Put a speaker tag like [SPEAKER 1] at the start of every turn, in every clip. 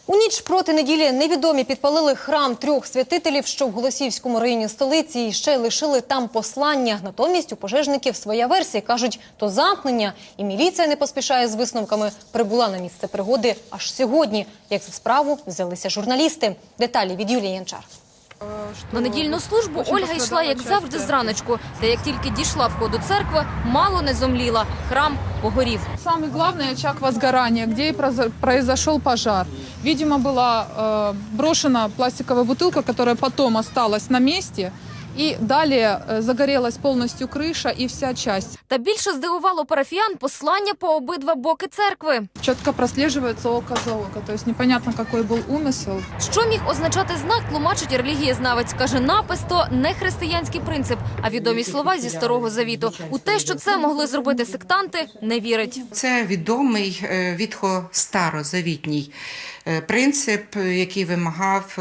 [SPEAKER 1] У ніч проти неділі невідомі підпалили храм трьох святителів, що в Голосіївському районі столиці, і ще лишили там послання. Натомість у пожежників своя версія. Кажуть, то замкнення, і міліція не поспішає з висновками. Прибула на місце пригоди аж сьогодні. Як за справу взялися журналісти. Деталі від Юлії Янчар.
[SPEAKER 2] На недільну службу Ольга йшла, як завжди, зраночку. Та як тільки дійшла входу церкви, мало не зомліла. Храм погорів.
[SPEAKER 3] Самый главный очаг возгорания, где и произошел пожар. Видимо, была брошена пластиковая бутылка, которая потом осталась на месте. И далее загорелась полностью крыша и вся часть.
[SPEAKER 2] Та більше здивувало парафіян послання по обидва боки церкви.
[SPEAKER 3] Четко прослеживается око за око, то есть непонятно, какой был умысел.
[SPEAKER 2] Що міг означати знак, тлумачить релігієзнавець. Каже, напис – то не християнський принцип, а відомі слова зі Старого Завіту. У те, що це могли зробити сектанти, не вірить.
[SPEAKER 4] Це відомий старозавітній принцип, який вимагав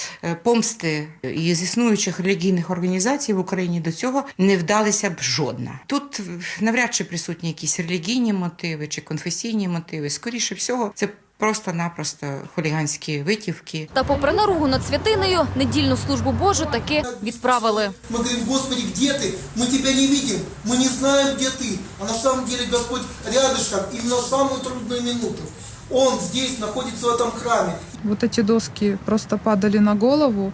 [SPEAKER 4] помсти. І з існуючих релігійних організацій в Україні до цього не вдалися б жодна. Тут навряд чи присутні якісь релігійні мотиви чи конфесійні мотиви. Скоріше всього, це просто-напросто хуліганські витівки.
[SPEAKER 2] Та попри наругу над святинею, недільну службу Божу таки відправили.
[SPEAKER 5] Мы говорим: Господи, где ты? Мы тебя не видим, мы не знаем, где ты. А на самом деле Господь рядышком, именно в самую трудную минуту. Он здесь находится в этом храме.
[SPEAKER 3] Вот эти доски просто падали на голову.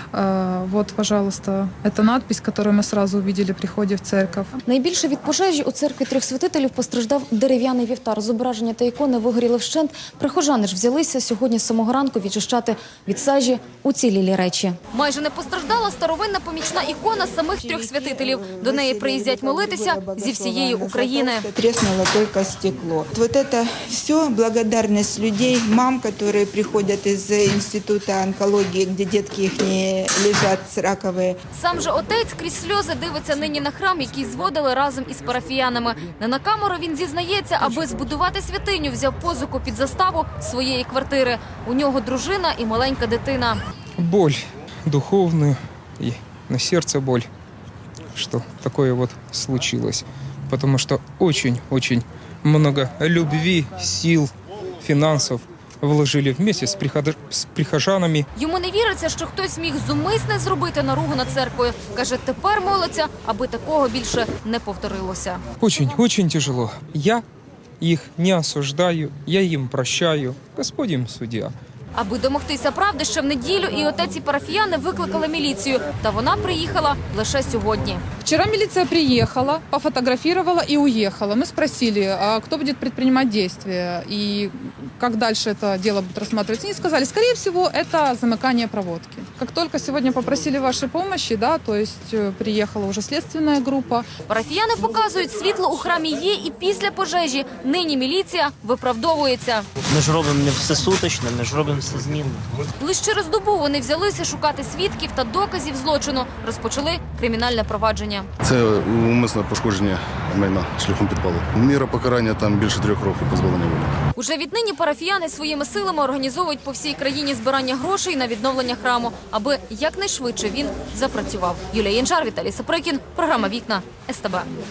[SPEAKER 3] Вот, пожалуйста, это надпись, которую мы сразу увидели при входе в церковь.
[SPEAKER 6] Найбільше від пожежі у церкві трьох святителів постраждав дерев'яний вівтар. Зображення та ікони вигоріли вщент. Прихожани ж взялися сьогодні з самого ранку відчищати від сажі уцілілі речі.
[SPEAKER 2] Майже не постраждала старовинна помічна ікона самих трьох святителів. До неї приїздять молитися зі всієї України.
[SPEAKER 7] Треснуло только стекло. Вот это все благодарность людей, мам, которые приходят из института онкологии, где детки их не лежать ракові.
[SPEAKER 2] Сам же отець крізь сльози дивиться нині на храм, який зводили разом із парафіянами. Не на камеру він зізнається, аби збудувати святиню, взяв позику під заставу своєї квартири. У нього дружина і маленька дитина.
[SPEAKER 8] Боль духовную и на сердце боль, что такое вот случилось. Потому что очень-очень много любви, сил, финансов вложили вместе з прихожанами.
[SPEAKER 2] Йому не віриться, що хтось міг зумисне зробити наругу над церквою. Каже, тепер молиться, аби такого більше не повторилося.
[SPEAKER 8] Очень тяжело. Я их не осуждаю, я им прощаю. Господь им судья.
[SPEAKER 2] Аби домогтися правди, ще в неділю і отець, і парафіяни викликали міліцію. Та вона приїхала лише сьогодні.
[SPEAKER 3] Вчера милиция приехала, пофотографировала и уехала. Мы спросили, а кто будет предпринимать действия и как дальше это дело будет рассматриваться. Они сказали, скорее всего, это замыкание проводки. Как только сегодня попросили вашей помощи, да, то есть приехала уже следственная группа.
[SPEAKER 2] Парафіяни показують, світло у храмі є і після пожежі. Нині міліція виправдовується.
[SPEAKER 9] Ми ж робимо не все суточно, ми ж робимо все змінно.
[SPEAKER 2] Лише через добу вони взялися шукати свідків та доказів злочину. Розпочали кримінальне провадження.
[SPEAKER 10] Це умисне пошкодження майна шляхом підпалу. Міра покарання там більше 3 років позбавлення волі.
[SPEAKER 2] Уже віднині парафіяни своїми силами організовують по всій країні збирання грошей на відновлення храму, аби якнайшвидше він запрацював. Юлія Янчар, Віталій Саприкін, програма «Вікна», СТБ.